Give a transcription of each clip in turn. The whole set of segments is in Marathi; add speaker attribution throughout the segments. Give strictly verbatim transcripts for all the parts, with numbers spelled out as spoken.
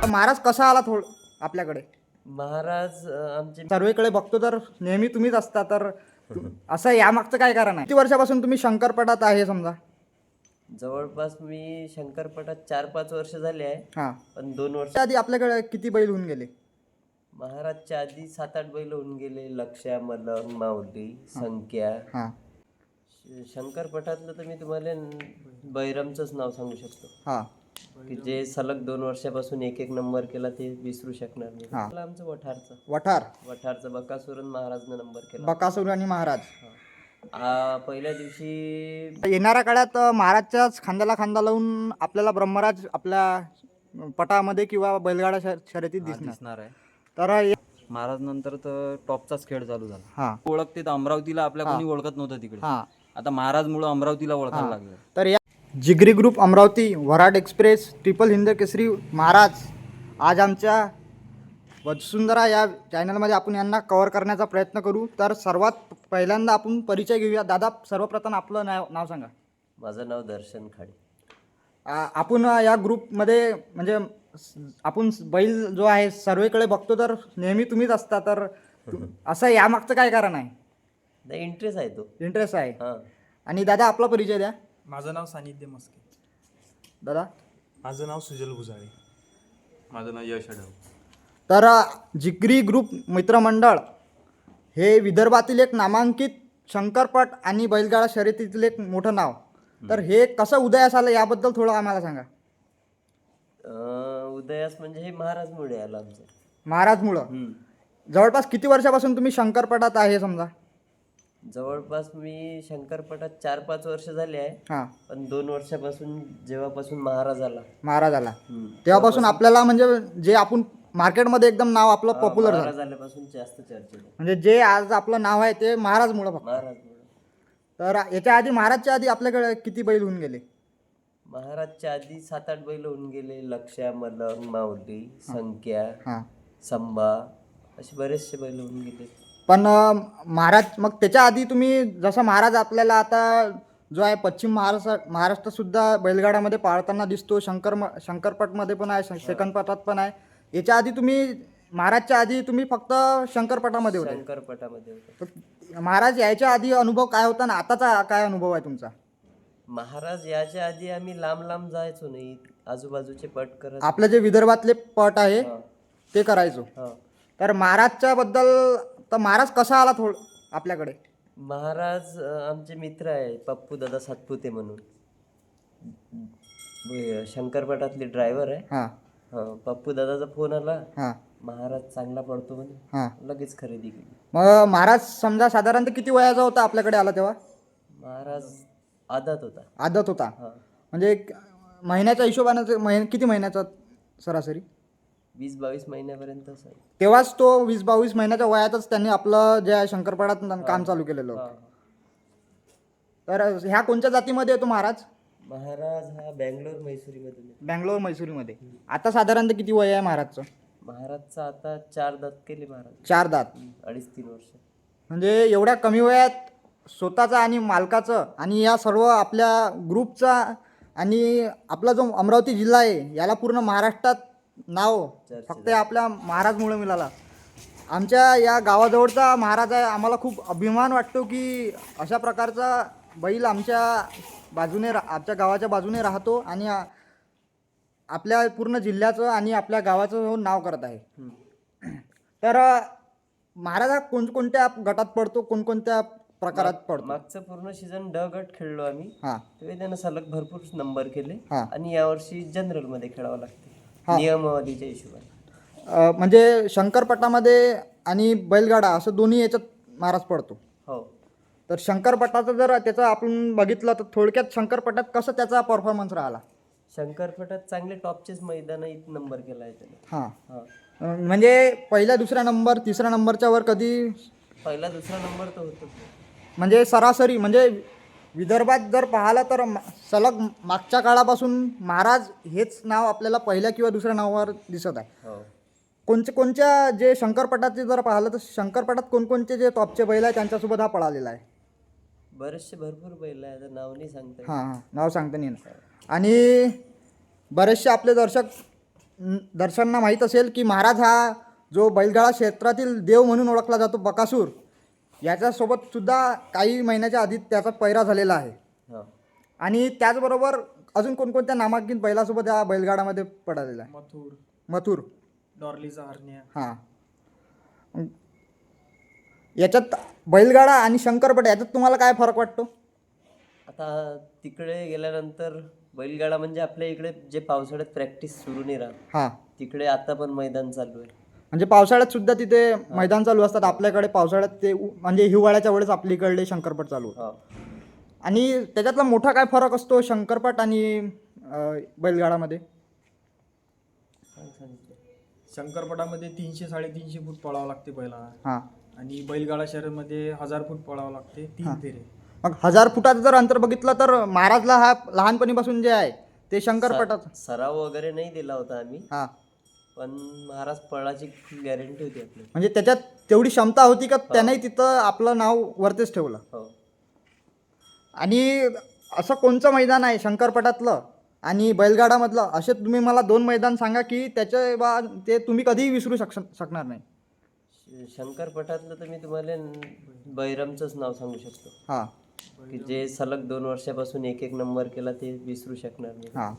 Speaker 1: महाराज कसा आला थोड आपल्याकडे?
Speaker 2: महाराज अं, आमचे
Speaker 1: सर्वेकडे बघतो तर नेहमी तुम्हीच असता, तर तु- असं यामागचं काय कारण आहे? किती वर्षापासून तुम्ही शंकरपटात आहे समजा?
Speaker 2: जवळपास मी शंकरपटात चार पाच वर्ष झाले आहे.
Speaker 1: हां.
Speaker 2: पण दोन वर्ष
Speaker 1: त्याआधी आपल्याकडे किती बैल होऊन गेले?
Speaker 2: महाराजच्या आधी सात आठ बैल होऊन गेले. लक्ष्या, मलंग, माऊली, संख्या.
Speaker 1: हां
Speaker 2: श- शंकरपटातलं तर मी तुम्हाला न- बैरमचंच नाव सांगू शकतो,
Speaker 1: हां
Speaker 2: की जे सलग दोन वर्षापासून एक एक नंबर केला, ते विसरू शकणार नाही.
Speaker 1: हा.
Speaker 2: आपलं आमचं वठारचं
Speaker 1: वठार,
Speaker 2: वठारचं बकासुरन महाराजनं नंबर केला.
Speaker 1: बकासूर आणि महाराज.
Speaker 2: आ, पहिल्या दिवशी
Speaker 1: येणाऱ्या काळात अ, महाराजच्याच खांद्याला खांदा लावून आपल्याला ब्रह्मराज आपल्या पटामध्ये किंवा बैलगाडा शर- शर्यतीत दिसणार.
Speaker 3: दिसणार आहे.
Speaker 1: तर हे-
Speaker 3: महाराज नंतर तर टॉपचाच खेळ चालू झाला.
Speaker 1: हां
Speaker 3: ओळखते तर अमरावतीला आपल्या कोणी ओळखत नव्हतं तिकडे.
Speaker 1: हां
Speaker 3: आता महाराजमुळं अमरावतीला ओळखायला लागलं.
Speaker 1: तर या जिगरी group Amravati, Varad express, triple Hind Kesari महाराज आज आमच्या वसुंधरा या चॅनलमध्ये आपण यांना कव्हर करण्याचा प्रयत्न करू. तर सर्वात पहिल्यांदा आपण परिचय घेऊया. दादा, सर्वप्रथम आपलं नाव नाव सांगा.
Speaker 2: माझं नाव दर्शन खाडे.
Speaker 1: आ, आपण या ग्रुपमध्ये म्हणजे स- आपण बैल जो आहे सर्वेकडे बघतो तर नेहमी तुम्हीच असता, तर तु- असं यामागचं काय कारण आहे?
Speaker 2: नाही, इंटरेस्ट आहे तो.
Speaker 1: इंटरेस्ट आहे.
Speaker 2: हां
Speaker 1: आणि दादा, आपला परिचय द्या.
Speaker 4: माझं नाव सानिध्य मस्के.
Speaker 1: दादा,
Speaker 4: माझं नाव सुजल भुजाळे.
Speaker 3: माझं नाव यश आढाव.
Speaker 1: तर अ, जिगरी ग्रुप मित्रमंडळ हे विदर्भातील एक नामांकित शंकरपट आणि बैलगाडा शर्यतीतील एक मोठं नाव. तर हे कसं उदयास आलं याबद्दल थोडं आम्हाला सांगा.
Speaker 2: अं, उदयास म्हणजे हे महाराजमुळे आलं आमचं.
Speaker 1: महाराजमुळं.
Speaker 2: हम्म.
Speaker 1: जवळपास किती वर्षापासून तुम्ही शंकरपटात आहे समजा?
Speaker 2: जवळपास मी शंकरपटात चार पाच वर्ष झाले आहे.
Speaker 1: हां,
Speaker 2: पण दोन वर्षापासून जेव्हापासून महाराज आला,
Speaker 1: महाराज आला
Speaker 2: हम्म,
Speaker 1: तेव्हापासून आपल्याला म्हणजे जे आपण मार्केटमध्ये एकदम नाव आपलं
Speaker 2: हा,
Speaker 1: पॉप्युलर झालं.
Speaker 2: महाराज आल्यापासून जास्त चर्चेत आहे.
Speaker 1: म्हणजे जे आज आपलं नाव आहे ते महाराजमुळं फक्त.
Speaker 2: महाराजमुळे.
Speaker 1: तर याच्या आधी, महाराजच्या आधी आपल्याकडे किती बैल होऊन गेले?
Speaker 2: महाराजच्या आधी सात आठ बैल होऊन गेले. लक्ष्या, मलंग, माऊली, संख्या,
Speaker 1: हां.
Speaker 2: संभा, असे बरेचसे बैल होऊन गेले.
Speaker 1: पण अ, महाराज, मग त्याच्या आधी तुम्ही जसं महाराज आपल्याला आता जो आहे पश्चिम महाराष्ट्र महाराष्ट्रातसुद्धा बैलगाड्यामध्ये पाळताना दिसतो. शंकर शंकरपटमध्ये पण आहे, सेकंदपटात पण आहे. याच्या आधी तुम्ही, महाराजच्या आधी तुम्ही फक्त शंकरपटामध्ये होते.
Speaker 2: शंकरपटामध्ये होता.
Speaker 1: तर महाराज यायच्या आधी अनुभव काय होता ना आताचा काय अनुभव आहे तुमचा?
Speaker 2: महाराज याच्या आधी आम्ही लांब लांब जायचो नाही, आजूबाजूचे पट करत.
Speaker 1: आपलं जे विदर्भातले पट आहे
Speaker 2: हा,
Speaker 1: ते करायचो.
Speaker 2: हा.
Speaker 1: तर महाराजच्या बद्दल, तर महाराज कसा आला थोड आपल्याकडे?
Speaker 2: महाराज अं, आमचे मित्र आहे, पप्पू दादा सातपुते म्हणून. ब- शंकरपटातले ड्रायव्हर आहे.
Speaker 1: हां
Speaker 2: हा, पप्पू दादाचा फोन आला,
Speaker 1: हां
Speaker 2: महाराज चांगला पडतो म्हणे.
Speaker 1: हां.
Speaker 2: लगेच खरेदी केली.
Speaker 1: मग महाराज समजा साधारणतः किती वयाचा होता आपल्याकडे आला तेव्हा?
Speaker 2: महाराज आदात होता.
Speaker 1: आदत होता.
Speaker 2: हा,
Speaker 1: म्हणजे एक महिन्याच्या हिशोबानं महिन किती महिन्याचा सरासरी?
Speaker 2: वीस बावीस महिन्यापर्यंत असेल.
Speaker 1: तेव्हाच तो वीस बावीस महिन्याच्या वयातच त्यांनी आपलं जे आहे शंकरपटात काम चालू केलेलं
Speaker 2: हा,
Speaker 1: होतं.
Speaker 2: हा.
Speaker 1: तर ह्या कोणत्या जातीमध्ये येतो महाराज?
Speaker 2: महाराज हा बँगलोर म्हैसूरीमधून आहे.
Speaker 1: बँगलोर मैसुरीमध्ये. आता साधारणतः किती वय आहे महाराजचं?
Speaker 2: महाराजचा आता चार दात केले महाराज.
Speaker 1: चार दात.
Speaker 2: अडीच तीन वर्ष.
Speaker 1: म्हणजे एवढ्या कमी वयात स्वतःचं आणि मालकाचं आणि या सर्व आपल्या ग्रुपचा आणि आपला जो अमरावती जिल्हा आहे याला पूर्ण महाराष्ट्रात नाव फक्त आपल्या महाराजमुळे मिळाला. आमच्या या गावाजवळचा महाराज आहे. आम्हाला खूप अभिमान वाटतो की अशा प्रकारचा बैल आमच्या बाजूने रा आमच्या गावाच्या बाजूने राहतो आणि आ- आपल्या पूर्ण जिल्ह्याचं आणि आपल्या गावाचं नाव करत आहे. तर अ, महाराज हा कोणकोणत्या गटात पडतो, कोणकोणत्या प्रकारात पडतो?
Speaker 2: मागचं पूर्ण सीझन ड गट खेळलो आम्ही.
Speaker 1: हां
Speaker 2: तेव्हा त्यानं सलग भरपूर नंबर केले.
Speaker 1: हां.
Speaker 2: आणि यावर्षी जनरल मध्ये खेळावं लागते
Speaker 1: हा.
Speaker 2: नियमावलीच्या हिशोबाने.
Speaker 1: अ, म्हणजे शंकरपटामध्ये आणि बैलगाडा असं दोन्ही याच्यात महाराज पडतो.
Speaker 2: हो.
Speaker 1: तर शंकरपटाचं जर त्याचं आपण बघितलं तर थोडक्यात शंकरपटात कसं त्याचा परफॉर्मन्स राहिला?
Speaker 2: शंकरपटात चांगले टॉपचेच मैदान नंबर केला आहे त्याने.
Speaker 1: हां.
Speaker 2: हा.
Speaker 1: अ, म्हणजे पहिला दुसरा नंबर, तिसऱ्या नंबरच्या वर कधी,
Speaker 2: पहिला दुसरा नंबर तर होतो.
Speaker 1: म्हणजे सरासरी म्हणजे विदर्भात जर पाहिलं तर मा- सलग मागच्या काळापासून महाराज हेच नाव आपल्याला पहिल्या किंवा दुसऱ्या नावावर दिसत आहे.
Speaker 2: हो.
Speaker 1: कोणचे कोणत्या जे शंकरपटाचे जर पाहिलं तर शंकरपटात कोणकोणते जे टॉपचे बैल आहे त्यांच्यासोबत हा पळालेला आहे?
Speaker 2: बरेचसे भरपूर बैल आहे, आता नाव नाही सांगता येत.
Speaker 1: हां हां नाव सांगता नाही येणार. आणि बरेचसे आपले दर्शक न- दर्शनांना माहीत असेल की महाराज हा जो बैलगाडा क्षेत्रातील देव म्हणून ओळखला जातो बकासूर, याच्यासोबत सुद्धा काही महिन्याच्या आधी त्याचा पैरा झालेला आहे.
Speaker 2: हो.
Speaker 1: आणि त्याचबरोबर अजून कोणकोणत्या नामांकित बैलासोबत हा बैलगाडामध्ये पडलेला आहे?
Speaker 4: मथुर,
Speaker 1: मथुर.
Speaker 4: डॉर्लीचा हरण्या.
Speaker 1: हां. याच्यात बैलगाडा आणि शंकरपट याच्यात तुम्हाला काय फरक वाटतो?
Speaker 2: आता तिकडे गेल्यानंतर बैलगाडा म्हणजे आपल्या इकडे जे पावसाळ्यात प्रॅक्टिस सुरू नाही राहत,
Speaker 1: हां.
Speaker 2: तिकडे आता पण मैदान चालू आहे.
Speaker 1: म्हणजे पावसाळ्यात सुद्धा तिथे मैदान चालू असतात. आपल्याकडे पावसाळ्यात ते उ- म्हणजे हिवाळ्याच्या वेळेस आपल्याकडे शंकरपट चालू होतात.
Speaker 2: हो.
Speaker 1: आणि त्याच्यातला मोठा काय फरक असतो शंकरपट आणि अं, बैलगाडामध्ये?
Speaker 2: काय सांगितलं?
Speaker 4: शंकरपटामध्ये तीनशे साडेतीनशे फूट पळावं लागते बैलाला,
Speaker 1: हां.
Speaker 4: आणि बैलगाडा शहरामध्ये हजार फूट पळावं लागते, तीन फेरे.
Speaker 1: मग हजार फुटाचं जर अंतर बघितलं तर महाराजला हा लहानपणीपासून जे आहे ते शंकरपटाचं.
Speaker 2: सराव वगैरे नाही दिला होता आम्ही,
Speaker 1: हां.
Speaker 2: पण महाराज पळाची गॅरंटी होती आपली.
Speaker 1: म्हणजे त्याच्यात तेवढी क्षमता होती का त्यानेही तिथं आपलं नाव वरतीच ठेवलं.
Speaker 2: हो.
Speaker 1: आणि असं कोणचं मैदान आहे शंकरपटातलं आणि बैलगाडामधलं, असे तुम्ही मला दोन मैदान सांगा की त्याचे बा ते तुम्ही कधीही विसरू शक शकणार नाही.
Speaker 2: श- शंकरपटातलं तर मी तुम्हाला न- बैरमचंच नाव सांगू शकतो,
Speaker 1: हां.
Speaker 2: की जे सलग दोन वर्षापासून एक एक नंबर केला, ते विसरू शकणार नाही.
Speaker 1: हां.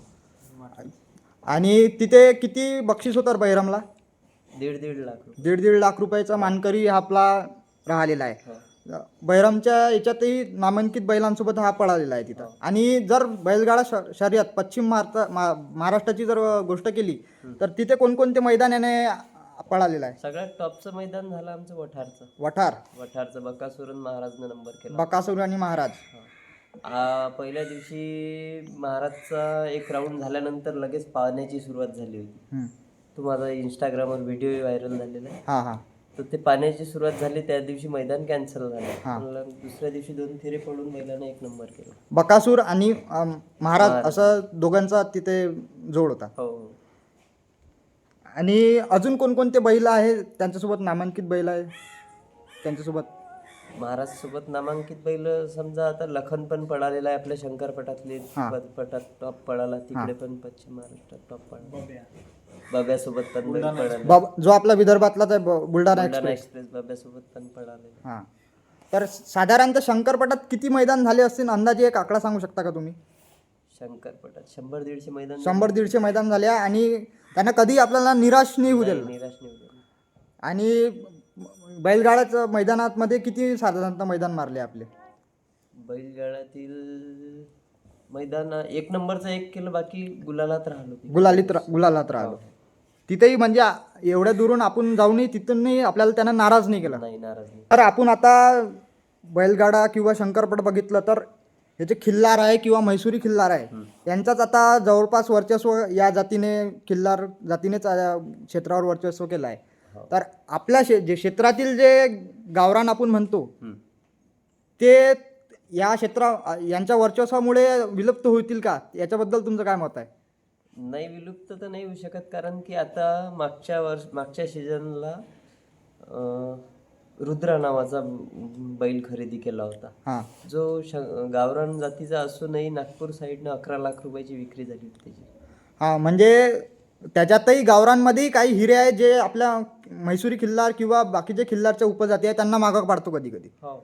Speaker 1: आणि तिथे किती बक्षीस होतं बैरमला?
Speaker 2: दीड दीड लाख रुपये.
Speaker 1: दीड दीड लाख रुपयाचा मानकरी हा आपला राहिलेला आहे.
Speaker 2: हो.
Speaker 1: बैरमच्या याच्यातही नामांकित बैलांसोबत हा पळालेला आहे तिथं. आणि जर बैलगाडा श शर्यत पश्चिम महाराष्ट्र मा महाराष्ट्राची जर गोष्ट केली तर तिथे कोणकोणते मैदान याने पळालेलं आहे?
Speaker 2: सगळ्यात टॉपचं मैदान झालं आमचं वठारचं.
Speaker 1: वठार,
Speaker 2: वठारचं बकासुरन महाराजनं नंबर केला.
Speaker 1: बकासूर आणि महाराज.
Speaker 2: आ, पहिल्या दिवशी महाराजचा एक राऊंड झाल्यानंतर लगेच पाण्याची सुरुवात झाली होती.
Speaker 1: हम्म.
Speaker 2: तो माझा इंस्टाग्रामवर व्हिडिओ व्हायरल झालेला आहे.
Speaker 1: हां हां.
Speaker 2: तर ते पाण्याची सुरुवात झाली, त्या दिवशी मैदान कॅन्सल झालं.
Speaker 1: हा.
Speaker 2: पण दुसऱ्या दिवशी दोन फेरे पडून बैलानं एक नंबर केला.
Speaker 1: बकासूर आणि अम, महाराज असं दोघांचा तिथे जोड होता.
Speaker 2: हो हो.
Speaker 1: आणि अजून कोणकोणते बैल आहे त्यांच्यासोबत नामांकित बैल आहे त्यांच्यासोबत?
Speaker 2: महाराज सोबत नामांकित बैल समजा आता लखन पण पळालेला आहे आपल्या शंकरपटातले.
Speaker 1: हा.
Speaker 2: प- पटात टॉप पळाला, तिकडे पण पश्चिम महाराष्ट्रात टॉप पळाला. बाब्यासोबत पण बैल पळाला.
Speaker 1: बाब जो आपला विदर्भातलाच आहे ब- बुलढाणा
Speaker 2: बुलढाणा
Speaker 1: एक्सप्रेस.
Speaker 2: एक्सप्रेस बाब्यासोबत पण पळाले.
Speaker 1: हां. तर साधारणतः शंकरपटात किती मैदान झाले असतील अंदाजे एक आकडा सांगू शकता का तुम्ही?
Speaker 2: शंकरपटात शंभर दीडशे मैदान
Speaker 1: शंभर दीडशे मैदान झाले आणि त्यांना कधी आपल्याला निराश नाही होऊ दिलं.
Speaker 2: निराश नाही होते.
Speaker 1: आणि बैलगाड्याचं मैदानामध्ये किती साधारणतः मैदान मारले आपले?
Speaker 2: बैलगाड्यातील मैदान एक नंबरचं एक केलं, बाकी गुलालात राहिलो.
Speaker 1: गुलालीत रा- गुलालात राहिलो. तिथेही म्हणजे आ- एवढ्या दुरून आपण जाऊनही तिथूनही आपल्याला त्यांना नाराज नाही केला.
Speaker 2: नाही, नाराज नाही.
Speaker 1: तर आपण आता बैलगाडा किंवा शंकरपट बघितलं तर हे जे खिल्लार आहे किंवा म्हैसूरी खिल्लार आहे यांचाच आता जवळपास वर्चस्व या जातीने खिल्लार जातीनेच या क्षेत्रावर वर्चस्व केलं आहे. तर आपल्या शे जे क्षेत्रातील जे गावरान आपण म्हणतो
Speaker 2: हम्म.
Speaker 1: ते या क्षेत्रा यांच्या वर्चस्वामुळे विलुप्त होतील का, याच्याबद्दल तुमचं काय मत आहे?
Speaker 2: नाही, विलुप्त तर नाही होऊ शकत, कारण की आता मागच्या वर्ष मागच्या सीझनला रुद्रा नावाचा बैल खरेदी केला होता,
Speaker 1: हां.
Speaker 2: जो श गावरान जातीचा असूनही नागपूर साईडनं अकरा लाख रुपयाची विक्री झाली होती त्याची.
Speaker 1: हां, म्हणजे त्याच्यातही गावरांमध्येही काही हिरे आहेत जे आपल्या म्हैसूरी खिल्लार किंवा बाकीचे खिल्लारच्या उपजाती आहेत त्यांना मागं पाडतो कधी कधी.
Speaker 2: हो.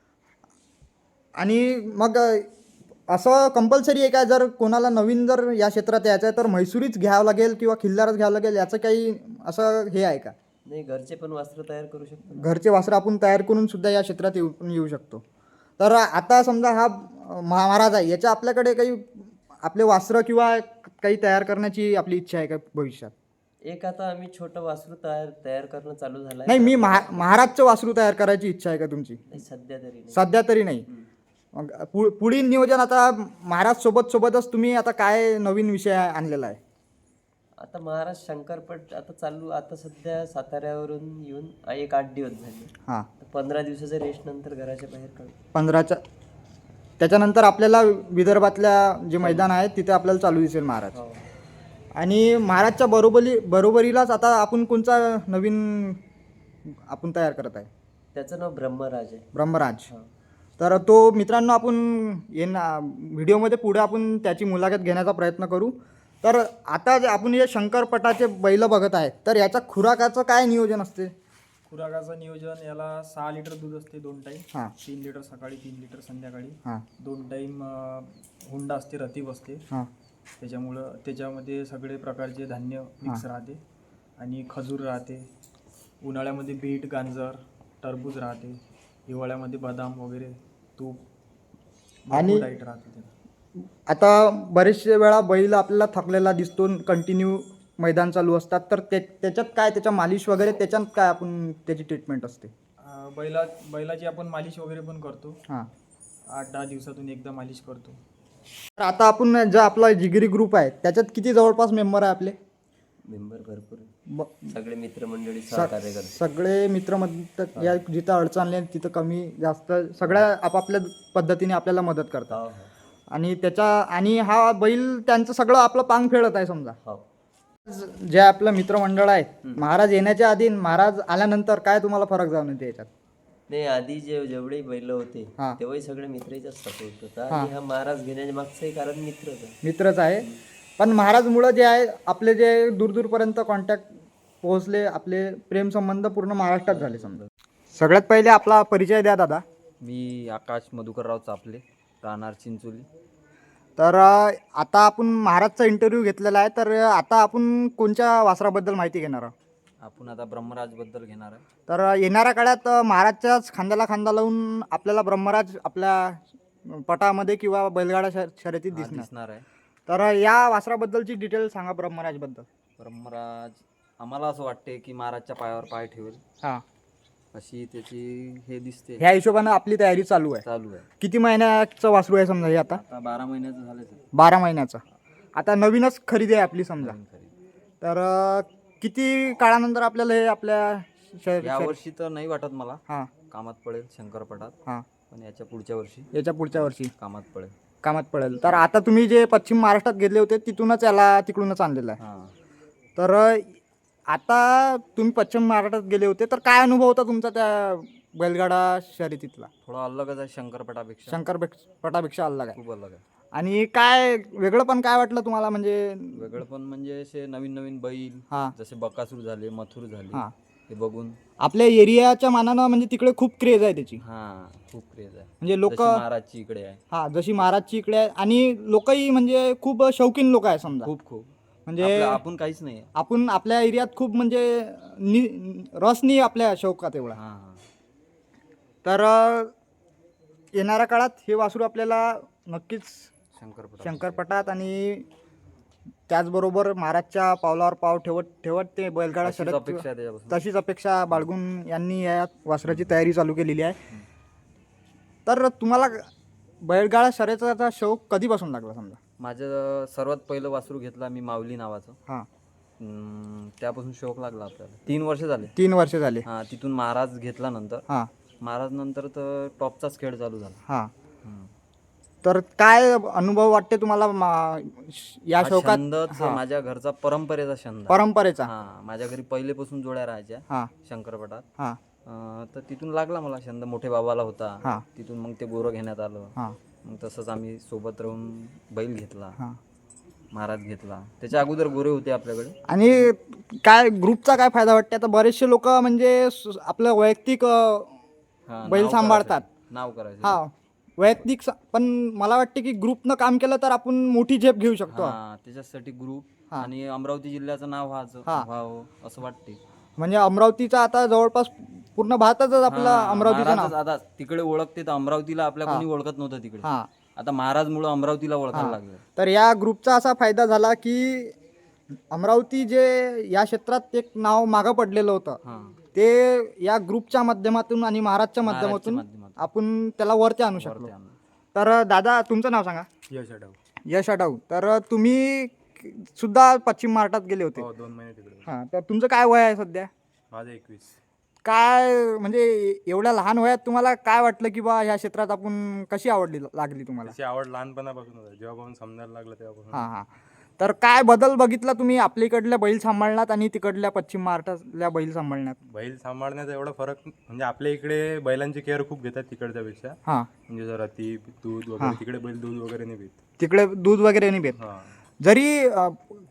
Speaker 1: आणि मग असं कंपल्सरी आहे का, जर कोणाला नवीन जर या क्षेत्रात यायचं आहे तर म्हैसूरीच घ्यावं लागेल किंवा खिल्लारच घ्यावं लागेल, याचं काही असं हे आहे का?
Speaker 2: नाही, घरचे पण वस्त्र तयार करू शकतो.
Speaker 1: घरचे वासरं आपण तयार करून सुद्धा या क्षेत्रात येऊ येऊ शकतो. तर आता समजा हा महा- महाराज आहे, याच्या आपल्याकडे काही आपले वासरं किंवा काही तयार करण्याची आपली इच्छा आहे का भविष्यात?
Speaker 2: एक आता आम्ही छोटं वासरू तयार तयार करणं चालू झालं
Speaker 1: नाही, मी महा महाराजचं वासरू तयार करायची इच्छा आहे का तुमची?
Speaker 2: नाही, सध्या तरी नाही.
Speaker 1: सध्या तरी नाही. मग पु पुढील नियोजन आता महाराज सोबत सोबतच तुम्ही आता काय नवीन विषय आणलेला आहे?
Speaker 2: आता महाराज शंकरपट आता चालू, आता सध्या साताऱ्यावरून येऊन आ- एक आठ दिवस झाले.
Speaker 1: हां.
Speaker 2: पंधरा दिवसाच्या रेस्ट नंतर घराच्या बाहेर काढू.
Speaker 1: पंधराच्या त्याच्यानंतर आपल्याला विदर्भातल्या जे मैदान आहेत तिथे आपल्याला चालू दिसेल महाराज.
Speaker 2: हो.
Speaker 1: आणि महाराजच्या बरोबरी बरोबरीलाच आता आपण कोणचा नवीन आपण तयार करत आहे?
Speaker 2: त्याचं नाव ब्रह्मराज आहे.
Speaker 1: ब्रह्मराज.
Speaker 2: हो.
Speaker 1: तर तो मित्रांनो आपण येणा व्हिडिओमध्ये पुढे आपण त्याची मुलाखत घेण्याचा प्रयत्न करू. तर आता जे आपण हे शंकरपटाचे बैल बघत आहे तर याच्या खुराकाचं काय नियोजन असते?
Speaker 4: खुराकाचं नियोजन, याला सहा लिटर दूध असते दोन टाईम.
Speaker 1: हां
Speaker 4: तीन लिटर सकाळी, तीन लिटर संध्याकाळी.
Speaker 1: हां
Speaker 4: दोन टाईम हुंडा असते, रतीब असते.
Speaker 1: हां
Speaker 4: त्याच्यामुळं त्याच्यामध्ये सगळे प्रकारचे धान्य मिक्स राहते आणि खजूर राहते. उन्हाळ्यामध्ये बीट, गांजर, टरबूज राहते. हिवाळ्यामध्ये बदाम वगैरे, तूप
Speaker 1: आणि-
Speaker 4: डाईट राहते त्याला.
Speaker 1: आता बरेचशे वेळा बैल आपल्याला थकलेला दिसतो, कंटिन्यू मैदान चालू असतात, तर ते त्याच्यात काय त्याच्या मालिश वगैरे त्याच्यात काय आपण त्याची ट्रीटमेंट असते?
Speaker 4: अं, बैला बैलाची आपण मालिश वगैरे पण करतो.
Speaker 1: हां
Speaker 4: आठ दहा दिवसातून एकदा मालिश करतो.
Speaker 1: तर आता आपण जो आपला जिगरी ग्रुप आहे त्याच्यात किती जवळपास मेंबर आहे आपले?
Speaker 2: मेंबर भरपूर आहे.
Speaker 1: ब-
Speaker 2: सगळे मित्रमंडळी सहकार्य करतात.
Speaker 1: सगळे मित्र मदत या जिथं अडचण आली आहे तिथं कमी जास्त सगळ्या आपापल्या पद्धतीने आपल्याला मदत करतात.
Speaker 2: हो हो
Speaker 1: आणि त्याच्या आणि हा बैल त्यांचं सगळं आपलं पांग फेडत आहे समजा.
Speaker 2: हो.
Speaker 1: जे आपलं मित्रमंडळ आहे, महाराज येण्याच्या आधी आणि महाराज आल्यानंतर काय तुम्हाला फरक जाऊन येते याच्यात?
Speaker 2: नाही, आधी जे जेवढे बैल होते
Speaker 1: हा.
Speaker 2: तेव्हाही सगळे मित्राचाच सपोर्ट होता आणि हा महाराज घेण्याच्या मागचंही कारण मित्रच आहे.
Speaker 1: मित्रच आहे, पण महाराजमुळं जे आहे आपले जे दूरदूरपर्यंत कॉन्टॅक्ट पोहोचले, आपले प्रेमसंबंध पूर्ण महाराष्ट्रात झाले समजा. सगळ्यात पहिले आपला परिचय द्या दादा.
Speaker 3: मी आकाश मधुकरराव चापले, राहणार चिंचोली.
Speaker 1: तर अ, आता आपण महाराजचा इंटरव्ह्यू घेतलेला आहे, तर आता आपण कोणत्या वासराबद्दल माहिती घेणार आहोत?
Speaker 3: आपण आता ब्रह्मराजबद्दल घेणार आहे.
Speaker 1: तर अ, येणाऱ्या काळात अ, महाराजच्याच खांद्याला खांदा लावून आपल्याला ब्रह्मराज आपल्या पटामध्ये किंवा बैलगाडा शर शर्यतीत
Speaker 3: हा,
Speaker 1: दिसणार.
Speaker 3: दिसणार आहे.
Speaker 1: तर अ, या वासराबद्दलची डिटेल सांगा ब्रह्मराजबद्दल.
Speaker 3: ब्रह्मराज आम्हाला असं वाटते की महाराजच्या पायावर पाय ठेवेल
Speaker 1: हां,
Speaker 3: अशी त्याची हे दिसते.
Speaker 1: ह्या हिशोबानं आपली तयारी चालू आहे.
Speaker 3: चालू आहे.
Speaker 1: किती महिन्याचं वासरू आहे समजा हे आता?
Speaker 3: आता बारा महिन्याचं झालं ते.
Speaker 1: बारा महिन्याचं. आता नवीनच खरेदी आहे आपली समजा.
Speaker 3: नवीन खरेदी.
Speaker 1: तर अ, किती काळानंतर आपल्याला हे आपल्या शर
Speaker 3: या
Speaker 1: शर-
Speaker 3: वर्षी तर नाही वाटत मला
Speaker 1: हां
Speaker 3: कामात पडेल शंकरपटात,
Speaker 1: हां
Speaker 3: पण याच्या पुढच्या वर्षी
Speaker 1: याच्या पुढच्या वर्षी
Speaker 3: कामात पडेल.
Speaker 1: कामात पडेल. तर आता तुम्ही जे पश्चिम महाराष्ट्रात घेतले होते तिथूनच याला तिकडूनच आणलेलं आहे.
Speaker 3: हां.
Speaker 1: तर अ, आता तुम्ही पश्चिम महाराष्ट्रात गेले होते तर काय अनुभव होता तुमचा त्या बैलगाडा शर्यतीतला?
Speaker 3: थोडा अलगच आहे शंकरपटापेक्षा.
Speaker 1: शंकर पटापेक्षा अलग आहे.
Speaker 3: खूप अलग आहे.
Speaker 1: आणि काय वेगळं पण काय वाटलं तुम्हाला म्हणजे?
Speaker 3: वेगळं पण म्हणजे असे नवीन नवीन बैल,
Speaker 1: हां
Speaker 3: जसे बकासूर झाले, मथुर झाले,
Speaker 1: हां
Speaker 3: हे बघून
Speaker 1: आपल्या एरियाच्या मानानं म्हणजे तिकडे खूप क्रेज आहे त्याची.
Speaker 3: हा खूप क्रेज आहे.
Speaker 1: म्हणजे लोक
Speaker 3: जशी महाराजची इकडे आहे.
Speaker 1: हा जशी महाराजची इकडे आहे आणि लोकही म्हणजे खूप शौकीन लोक आहे समजा.
Speaker 3: खूप खूप
Speaker 1: म्हणजे
Speaker 3: आपलं- आपण काहीच नाही.
Speaker 1: आपण आपल्या एरियात खूप म्हणजे नि रस नाही आपल्या शौकात एवढा.
Speaker 3: हा हा.
Speaker 1: तर अ, येणाऱ्या काळात हे वासरू आपल्याला नक्कीच
Speaker 3: शंकरपटा
Speaker 1: शंकरपटात आणि त्याचबरोबर महाराजच्या पावलावर पाव ठेवत ठेवत ते बैलगाडा
Speaker 3: अशीच
Speaker 1: शर्यत
Speaker 3: अपेक्षा आहे त्याच्यापासून.
Speaker 1: तशीच अपेक्षा बाळगून यांनी या वासराची तयारी चालू केलेली आहे. तर तुम्हाला बैलगाडा शर्यतीचा शौक कधीपासून लागला समजा?
Speaker 3: माझं सर्वात पहिलं वासरू घेतला मी माऊली नावाचं.
Speaker 1: हां
Speaker 3: हम्म, त्यापासून शौक लागला आपल्याला. तीन वर्ष झाले.
Speaker 1: तीन वर्ष झाले.
Speaker 3: हा तिथून महाराज घेतला नंतर
Speaker 1: हां
Speaker 3: महाराज नंतर तर टॉपचाच खेळ चालू झाला.
Speaker 1: हां
Speaker 3: हम्म.
Speaker 1: तर काय अनुभव वाटते तुम्हाला मा- या
Speaker 3: हा
Speaker 1: शौकात?
Speaker 3: छंदच
Speaker 1: हां.
Speaker 3: माझ्या घरचा परंपरेचा छंद आहे.
Speaker 1: परंपरेचा.
Speaker 3: हा माझ्या घरी पहिलेपासून जोड्या राहायच्या
Speaker 1: हां
Speaker 3: शंकरपटात.
Speaker 1: हां
Speaker 3: अं, तर तिथून लागला मला छंद. मोठे बाबाला होता.
Speaker 1: हां.
Speaker 3: तिथून मग ते गोरं घेण्यात आलं.
Speaker 1: हां
Speaker 3: मग तसंच आम्ही सोबत राहून बैल घेतला,
Speaker 1: हां
Speaker 3: महाराज घेतला. त्याच्या अगोदर गोरे होते आपल्याकडे.
Speaker 1: आणि काय ग्रुपचा काय फायदा वाटते? आता बरेचसे लोक म्हणजे स- आपलं वैयक्तिक अ,
Speaker 3: हा,
Speaker 1: बैल
Speaker 3: नाव
Speaker 1: सांभाळतात.
Speaker 3: करायचं. नाव करायचं.
Speaker 1: हा वैयक्तिक स- पण मला वाटते की ग्रुपनं काम केलं तर आपण मोठी झेप घेऊ शकतो.
Speaker 3: हा त्याच्यासाठी ग्रुप
Speaker 1: हा.
Speaker 3: आणि अमरावती जिल्ह्याचं नाव व्हायचं
Speaker 1: हा.
Speaker 3: व्हावं असं वाटते.
Speaker 1: म्हणजे अमरावतीचा आता जवळपास पूर्ण भारतातच आपलं
Speaker 3: हा,
Speaker 1: अमरावतीचं नाव.
Speaker 3: महाराजच आता तिकडे ओळखते तर अमरावतीला आपल्या कोणी ओळखत नव्हतं तिकडे.
Speaker 1: हा
Speaker 3: आता महाराजमुळं अमरावतीला ओळखायला लागलं.
Speaker 1: तर या ग्रुपचा असा फायदा झाला की अमरावती जे या क्षेत्रात एक नाव मागं पडलेलं होतं
Speaker 3: हा
Speaker 1: ते या ग्रुपच्या माध्यमातून आणि महाराजच्या माध्यमातून
Speaker 3: माध्यमातून
Speaker 1: आपण त्याला वरती आणू शकलो.
Speaker 3: वरती आणलं.
Speaker 1: तर दादा तुमचं नाव सांगा.
Speaker 4: यश आढाव.
Speaker 1: यश आढाव. तर तुम्ही सुद्धा पश्चिम महाराष्ट्रात गेले होते.
Speaker 4: हो, दोन महिने तिकडे.
Speaker 1: हां तर तुमचं काय वय आहे सध्या?
Speaker 4: माझं एकवीस.
Speaker 1: काय म्हणजे एवढ्या लहान वयात तुम्हाला काय वाटलं की बा ह्या क्षेत्रात आपण कशी आवडली लागली तुम्हाला?
Speaker 4: त्याची आवड लहानपणापासून होती. जेव्हापासून समजायला लागलं तेव्हापासून.
Speaker 1: हां हां तर काय बदल बघितला तुम्ही आपल्या इकडल्या बैल सांभाळण्यात आणि तिकडल्या पश्चिम महाराष्ट्रातल्या बैल सांभाळण्यात?
Speaker 4: बैल सांभाळण्याचा एवढा फरक म्हणजे आपल्या इकडे बैलांची केअर खूप घेतात तिकडच्या पेक्षा.
Speaker 1: हां
Speaker 4: म्हणजे जरा ती दूध वगैरे, तिकडे बैल दूध वगैरे नाही पित.
Speaker 1: तिकडे दूध वगैरे नाही भेट.
Speaker 4: हा
Speaker 1: जरी अ,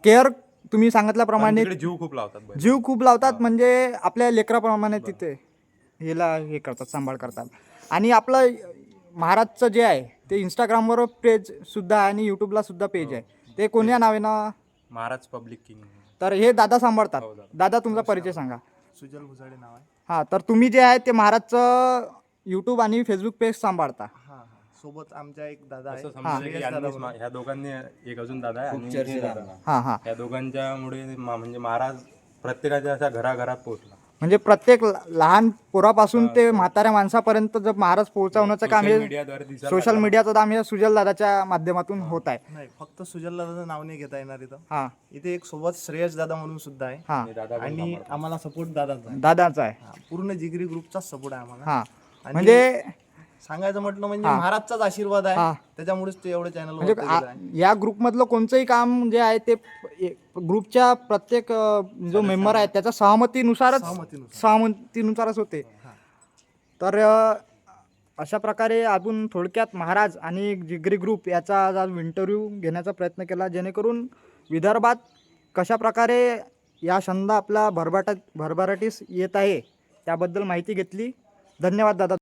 Speaker 1: केअर तुम्ही सांगितल्याप्रमाणे
Speaker 5: तिकडे जीव खूप लावतात बैल.
Speaker 1: जीव खूप लावतात, म्हणजे आपल्या लेकराप्रमाणे तिथे हिला हे करतात, सांभाळ करतात. आणि आपलं महाराजचं जे आहे ते इंस्टाग्रामवर पेज सुद्धा आहे आणि यूट्यूबला सुद्धा पेज आहे. ते कोण्या नावानं?
Speaker 5: महाराज पब्लिक किंग.
Speaker 1: तर हे दादा सांभाळतात. दादा तुमचा परिचय सांगा.
Speaker 4: सुजल भुसाडे नाव आहे.
Speaker 1: हां, तर तुम्ही जे आहे ते महाराजचं यूट्यूब आणि फेसबुक पेज सांभाळता.
Speaker 4: हां हां सोबत आमच्या एक दादा
Speaker 5: असं
Speaker 4: आहे.
Speaker 5: समजा की यांनीच मा- ह्या दोघांनी एक अजून दादा आहे आणि हे दादा.
Speaker 1: हां हां
Speaker 5: या दोघांच्यामुळे मा- म्हणजे महाराज प्रत्येकाच्या अशा घराघरात पोहोचला.
Speaker 1: म्हणजे प्रत्येक ल- लहान पोरापासून ते म्हाताऱ्या माणसापर्यंत जर महाराज पोहोचवण्याचं काम
Speaker 5: सोशल
Speaker 1: हे
Speaker 5: मीडियाद्वारे दिसायला
Speaker 1: सोशल मीडियाचं काम हे सुजल दादाच्या माध्यमातून होत आहे.
Speaker 4: नाही फक्त सुजल दादाचं नाव नाही घेता येणार इथं.
Speaker 1: हां
Speaker 4: इथे एक सोबत श्रेयस दादा म्हणून सुद्धा आहे.
Speaker 1: हां
Speaker 5: आणि दादा पण
Speaker 4: आणि आम्हाला सपोर्ट दादाचा आहे.
Speaker 1: दादाचा आहे.
Speaker 4: हा, पूर्ण जिगरी ग्रुपचाच सपोर्ट आहे आम्हाला.
Speaker 1: हां
Speaker 4: आणि
Speaker 1: म्हणजे
Speaker 4: सांगायचं म्हटलं म्हणजे महाराजचाच आशीर्वाद आहे.
Speaker 1: हा.
Speaker 4: त्याच्यामुळेच ते एवढे चॅनल
Speaker 1: म्हणजे आ- या ग्रुपमधलं कोणतंही काम जे आहे ते ए- ग्रुपच्या प्रत्येक अ, जो मेंबर आहे त्याच्या सहमतीनुसारच
Speaker 4: सहमतीनुसार.
Speaker 1: सहमतीनुसारच होते. तर अ, अशा प्रकारे आपण थोडक्यात महाराज आणि जिगरी ग्रुप याचा आज इंटरव्ह्यू घेण्याचा प्रयत्न केला, जेणेकरून विदर्भात कशा प्रकारे या छंद आपला भरभराट भरभराटीस येत आहे त्याबद्दल माहिती घेतली. धन्यवाद दादा.